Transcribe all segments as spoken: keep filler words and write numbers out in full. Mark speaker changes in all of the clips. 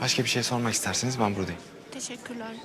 Speaker 1: Başka bir şey sormak isterseniz ben buradayım.
Speaker 2: Teşekkürler.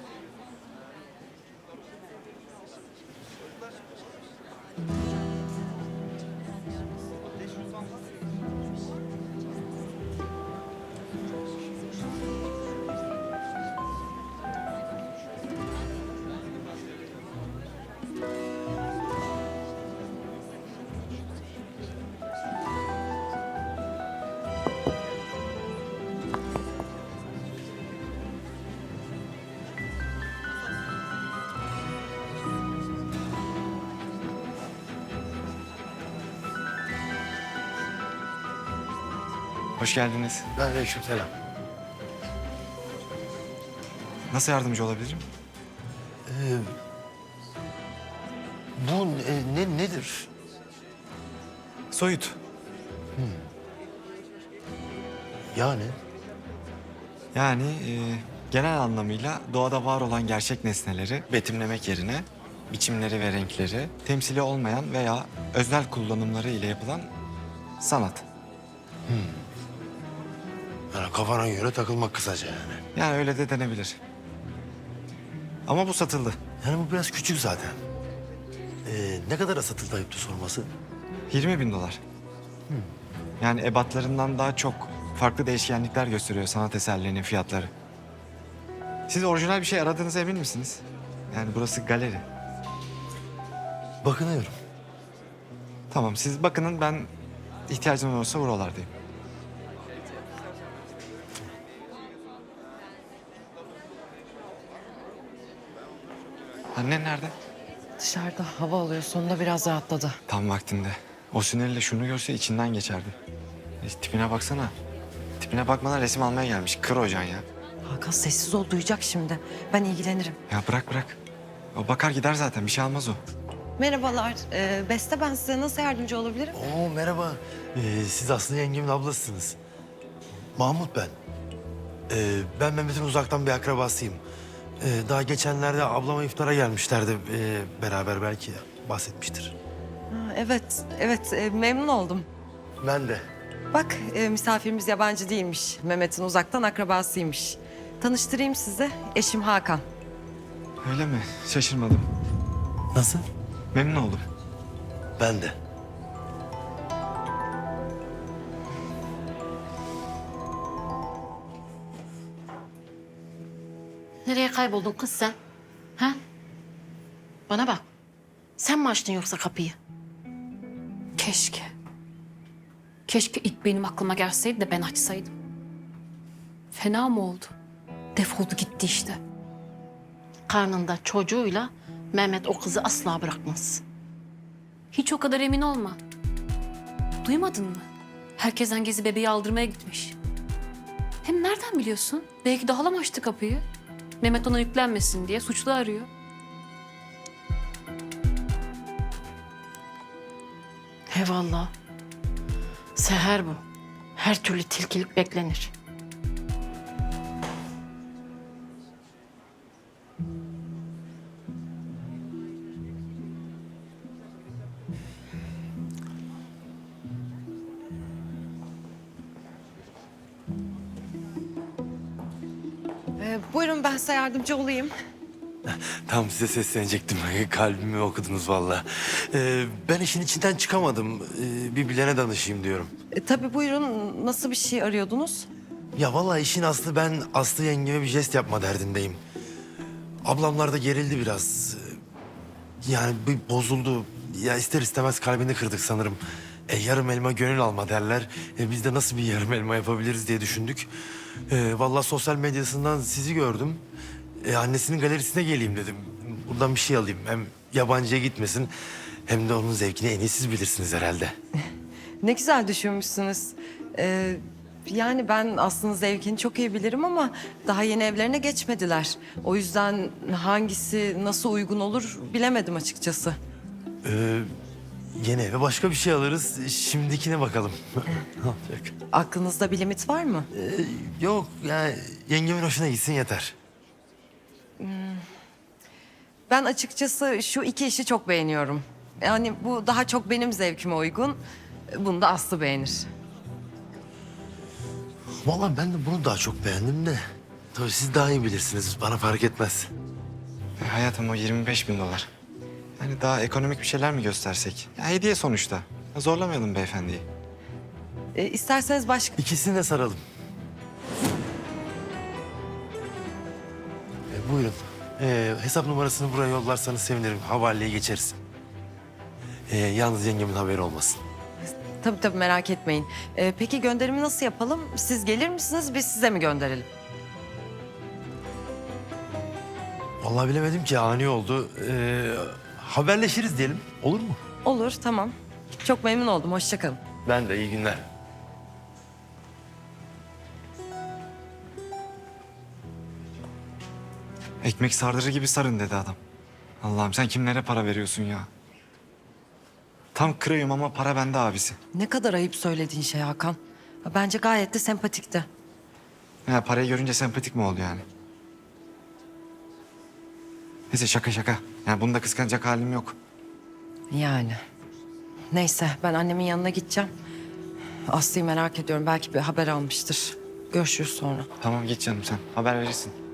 Speaker 1: Hoş geldiniz.
Speaker 3: Aleykümselam.
Speaker 1: Nasıl yardımcı olabilirim?
Speaker 3: Bu e, ne nedir?
Speaker 1: Soyut.
Speaker 3: Yani
Speaker 1: Yani e, genel anlamıyla doğada var olan gerçek nesneleri betimlemek yerine biçimleri ve renkleri temsili olmayan veya öznel kullanımları ile yapılan sanat.
Speaker 3: yani kafana göre takılmak kısaca yani.
Speaker 1: Yani öyle de denebilir. Ama bu satıldı.
Speaker 3: Yani bu biraz küçük zaten. Ee, ne kadara satıldı ayıptı sorması?
Speaker 1: yirmi bin dolar. Yani ebatlarından daha çok farklı değişkenlikler gösteriyor sanat eserlerinin fiyatları. Siz orijinal bir şey aradığınıza emin misiniz? Yani burası galeri.
Speaker 3: Bakınıyorum.
Speaker 1: Tamam siz bakının, ben ihtiyacım olursa buralardayım. Annen nerede?
Speaker 4: Dışarıda hava alıyor. Sonunda biraz rahatladı.
Speaker 1: Tam vaktinde. O sinirle şunu görse içinden geçerdi. E, tipine baksana. Tipine bakmadan resim almaya gelmiş. Kır hocan ya.
Speaker 4: Hakan sessiz ol, duyacak şimdi. Ben ilgilenirim.
Speaker 1: Ya bırak bırak. O bakar gider zaten, bir şey almaz o.
Speaker 4: Merhabalar. Ee, Beste, ben size nasıl yardımcı olabilirim?
Speaker 3: Oo merhaba. Ee, siz Aslı yengemin ablasısınız. Mahmut ben. Ee, ben Mehmet'in uzaktan bir akrabasıyım. Ee, daha geçenlerde ablama iftara gelmişlerdi. Ee, beraber belki bahsetmiştir.
Speaker 4: Ha, evet, evet. e, memnun oldum.
Speaker 3: Ben de.
Speaker 4: Bak, e, misafirimiz yabancı değilmiş. Mehmet'in uzaktan akrabasıymış. Tanıştırayım sizi. Eşim Hakan.
Speaker 1: Öyle mi? Şaşırmadım.
Speaker 3: Nasıl?
Speaker 1: Memnun oldum.
Speaker 3: Ben de.
Speaker 2: Nereye kayboldun kız sen? Ha? Bana bak. Sen mi açtın yoksa kapıyı?
Speaker 5: Keşke. Keşke ilk benim aklıma gelseydi de ben açsaydım. Fena mı oldu? Defoldu gitti işte.
Speaker 2: Karnında çocuğuyla Mehmet o kızı asla bırakmaz.
Speaker 5: Hiç o kadar emin olma. Duymadın mı? Herkesten gezi bebeği aldırmaya gitmiş. Hem nereden biliyorsun? Belki de halam açtı kapıyı. Mehmet ona yüklenmesin diye suçlu arıyor.
Speaker 2: He vallahi. Seher bu. Her türlü tilkilik beklenir.
Speaker 4: Ee, buyurun, ben size yardımcı olayım.
Speaker 3: Tam size seslenecektim. Kalbimi okudunuz vallahi. Ee, ben işin içinden çıkamadım. Ee, bir bilene danışayım diyorum.
Speaker 4: E, tabii buyurun. Nasıl bir şey arıyordunuz?
Speaker 3: Ya vallahi işin aslı, ben Aslı yengeme bir jest yapma derdindeyim. Ablamlar da gerildi biraz. Ee, Yani bir bozuldu. Ya ister istemez kalbini kırdık sanırım. E, yarım elma gönül alma derler. E, biz de nasıl bir yarım elma yapabiliriz diye düşündük. E, vallahi sosyal medyasından sizi gördüm. E, annesinin galerisine geleyim dedim. Buradan bir şey alayım. Hem yabancıya gitmesin, hem de onun zevkini en iyi siz bilirsiniz herhalde.
Speaker 4: Ne güzel düşünmüşsünüz. Ee, yani ben aslında zevkini çok iyi bilirim ama daha yeni evlerine geçmediler. O yüzden hangisi nasıl uygun olur bilemedim açıkçası.
Speaker 3: Ee, yeni eve başka bir şey alırız. Şimdikine bakalım. Ne olacak?
Speaker 4: Aklınızda bir limit var mı?
Speaker 3: Ee, yok yani yengemin hoşuna gitsin yeter.
Speaker 4: Ben açıkçası şu iki işi çok beğeniyorum. Yani bu daha çok benim zevkime uygun. Bunu da Aslı beğenir.
Speaker 3: Vallahi ben de bunu daha çok beğendim de. Tabii siz daha iyi bilirsiniz. Bana fark etmez.
Speaker 1: E, hayatım o yirmi beş bin dolar. Yani daha ekonomik bir şeyler mi göstersek? Ya hediye sonuçta. Ya zorlamayalım beyefendiyi.
Speaker 4: E, isterseniz başka...
Speaker 3: İkisini de saralım. E, buyurun. E, hesap numarasını buraya yollarsanız sevinirim. Havaleye geçeriz. E, yalnız yengemin haberi olmasın.
Speaker 4: Tabii tabii merak etmeyin. E, peki gönderimi nasıl yapalım? Siz gelir misiniz, biz size mi gönderelim?
Speaker 3: Vallahi bilemedim ki ani oldu. E, haberleşiriz diyelim. Olur mu?
Speaker 4: Olur, tamam. Çok memnun oldum, hoşça kalın.
Speaker 3: Ben de iyi günler.
Speaker 1: Ekmek sardırı gibi sarın dedi adam. Allah'ım sen kimlere para veriyorsun ya? Tam kırayım ama para bende abisi.
Speaker 4: Ne kadar ayıp söylediğin şey Hakan. Ha, bence gayet de sempatikti.
Speaker 1: Ya parayı görünce sempatik mi oldu yani? Neyse şaka şaka. Yani bunu da kıskanacak halim yok.
Speaker 4: Yani. Neyse, ben annemin yanına gideceğim. Aslı'yı merak ediyorum, belki bir haber almıştır. Görüşürüz sonra.
Speaker 1: Tamam git canım sen. Haber verirsin.